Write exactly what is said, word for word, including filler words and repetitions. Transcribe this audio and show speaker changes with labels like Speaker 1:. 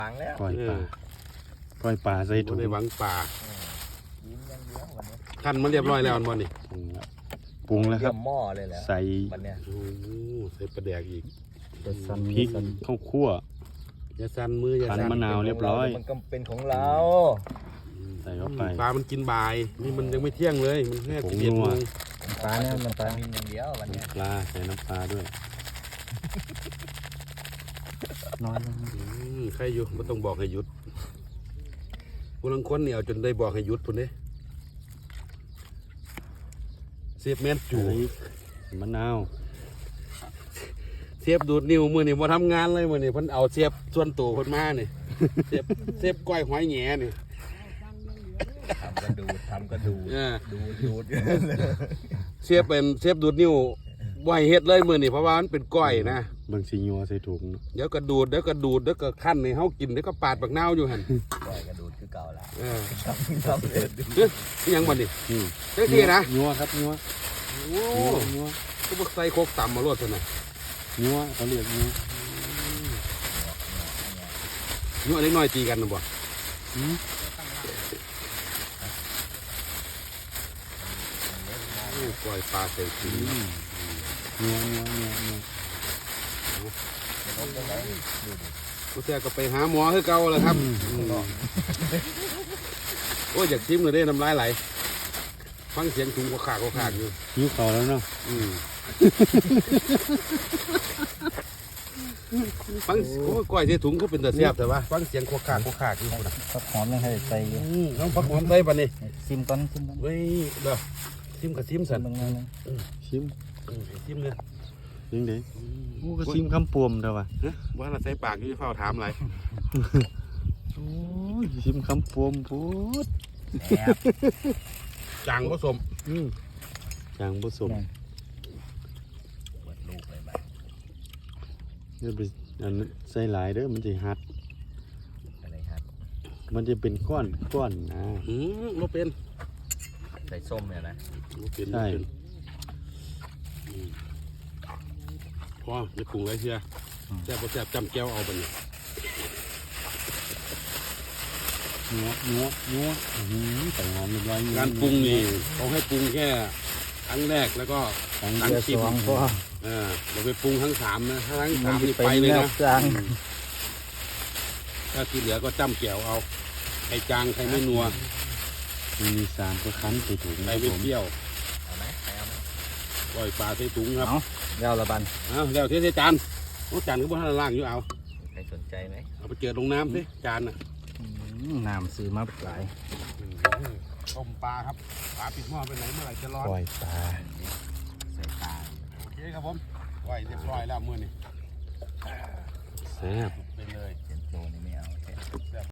Speaker 1: ฟังแล้ว
Speaker 2: ปล่อยปลาปล่อยปลาใส่ถุง
Speaker 3: ได้หวังปลา
Speaker 1: ยิ้มยังเยอะวันนี้
Speaker 3: ขั้นมาเรียบร้อยแล้วอันบอลนี่
Speaker 2: ปรุงแล้วปรุงแล้วครับ
Speaker 1: เยี่ยมหม้อเลยแหละ
Speaker 2: ใส่
Speaker 1: วันเนี้ย
Speaker 3: โอ้โหใส่ปลาแดกอีก
Speaker 2: พริกข้าวคั่ว
Speaker 3: อย่าสั่นมืออย่า
Speaker 2: ขัน
Speaker 3: สั่น
Speaker 2: มะนาวเรียบร้อย
Speaker 1: มันก็เป็นของเรา
Speaker 2: ใส่เข้าไป
Speaker 3: ปลามันกินบ่าย นี่มันยังไม่เที่ยงเลย มันแค่
Speaker 2: ผง
Speaker 3: สิบเอ็ด
Speaker 2: นั
Speaker 3: โม
Speaker 2: ว
Speaker 3: ง
Speaker 1: ปลาเนี่ยมันปลามินอย่างเดียววันเนี้ย
Speaker 2: ปลาใส่น้ำปลาด้วยน้อยลง
Speaker 3: อืมใครอยู่ไม่ต้องบอกให้หยุดผู้ลังคนเนี่ยเอาจนได้บอกให้หยุดพุ่นเด้เสียบแมนจู
Speaker 2: มะนาว
Speaker 3: เสียบดูดนิ้วมือนี่มาทำงานเลยมือนี่เพิ่นเอาเสียบส่วนตัวเพิ่นมานี่ เสียบเสียบก้อยหอยแหน่นี่
Speaker 1: ทำก็ดูดทำก็ดูด
Speaker 3: เออ
Speaker 1: ดูดดูด
Speaker 3: เสียบเป็นเสียบดูดนิ้วบ่ให้เฮ็ดเลยมือนี่เพราะว่ามันเป็นก้อยนะ
Speaker 2: เบิ่งสียัวใส่ถุงเนาะ
Speaker 3: เดี๋ยวก็ดูดเดี๋ยวก็ดูดเดี๋ยวก็ขั้นให้เฮากินเดี๋ยวก็ปาดบักนาวอยู่หั่น
Speaker 1: ปล่อยกระดูดคือเก่าละ
Speaker 3: เออ
Speaker 1: ทำทำเลย
Speaker 3: เฮ้ยนี่ยังบ่นี่
Speaker 2: นี่
Speaker 3: จังซี่นะ
Speaker 2: ยัวครับยัว
Speaker 3: โอ้
Speaker 2: ยัวยัว
Speaker 3: ก็บ่ใส่โคกต่ำมาโลดซั่นน่ะ
Speaker 2: ยัวเขาเรียกยัว
Speaker 3: ยั่วเล็กน้อยตีกันน่ะบ่
Speaker 2: อืม
Speaker 3: โอ้ก้อยปลาใส่ถุง
Speaker 2: ยัวยัวยัวยัว
Speaker 3: ผู้แท้ก็ไปหาหมอคือเก่าแหล้วครับโอ้ยอยากชิมเลยเด้น้ำลายไหลฟังเสียงถุงก็ขากก็ขากอยู่
Speaker 2: ยิ้วเขาแล้วเนาะ
Speaker 3: อืมฟังโอ้ยก้อยที่ถุงก็เป็นตะเสียบแต่ว่าฟังเสียงโคกขากโคกขากอยู่พุ่นน่ะ
Speaker 1: ผักหอมยังให้ใส่
Speaker 3: อืมน้องพักหอมใส่ปะนี่
Speaker 1: ซิมก่อนซิมก่อน
Speaker 3: เว้ยเด้อชิมกับชิมสัน
Speaker 1: บางงาน
Speaker 2: ชิม
Speaker 3: อืมชิมเลย
Speaker 2: ยังไงโอ้ก็ชิมคำปวมเด้อว่ะ
Speaker 3: ฮะว่าเราใส่ปากอยู่เฝ้าถามอะไร
Speaker 2: โอ้ยชิมคำปวมพูด
Speaker 1: แอบ
Speaker 3: จางผสม
Speaker 2: อืมจางผสม
Speaker 1: เปิดลูกเลยบ้า
Speaker 2: อย่าไปอันนั้นใส่หลายเด้อมันจะหัด
Speaker 1: อะไรครับ
Speaker 2: มันจะเป็นก้อนก้อนนะ
Speaker 3: อืมบ่เป็น
Speaker 1: ใส่ส้มเนี่ยนะ
Speaker 3: บ่เป็น
Speaker 2: ใช่
Speaker 3: บ่เป็นอืมพอจะปรุงอะไรเชียแซ่บบ่แซ่บจำแก้วเอาไปนี่
Speaker 2: นัวนัวนัวอื้อหือใส่หอมเรียบร้อย
Speaker 3: การปรุงนี่เขาให้ปรุงแค่ครั้งแรกแล้วก็
Speaker 2: ครั้ง
Speaker 3: หลัง
Speaker 2: เดียว
Speaker 3: ชิม
Speaker 2: สองก็
Speaker 3: เออเราไปปรุงทั้งสามนะถ้าทั้งสามนี่ไปเลยนะ
Speaker 1: จาง
Speaker 3: ถ้าที่เหลือก็จ้ำแก้วเอาใครจางใครไม่นัว
Speaker 2: มันมีสามก็คั้นใส่ถุง
Speaker 3: ใคร
Speaker 2: นะ
Speaker 3: ไม่
Speaker 2: ผม
Speaker 3: เปรี้ยว
Speaker 1: เอาไหมใครเอาไหม
Speaker 3: ปล่อยปลาใส่ถุงครับ
Speaker 1: เอาเดี๋ยวละบัน
Speaker 3: เอาแล้วเทใส่จานโอ้จานก็บ่ทันล่างอยู่เอา
Speaker 1: ใครสนใจไหม
Speaker 3: เอาไปเจอลงน้ำสิจานน่ะ
Speaker 1: น้ำซื้อมาหลาย
Speaker 3: ต้มปลาครับปลาปิดหม้อไปไหนเมื่อไหร่จะร้อน
Speaker 1: ปล่อยปลาใส่ปลา
Speaker 3: โอเคครับผมไว้เรียบร้อยแล้วมื้อนี้
Speaker 2: แซ่บ
Speaker 3: ไปเลย
Speaker 1: เป็นโตนี่ไม่เอา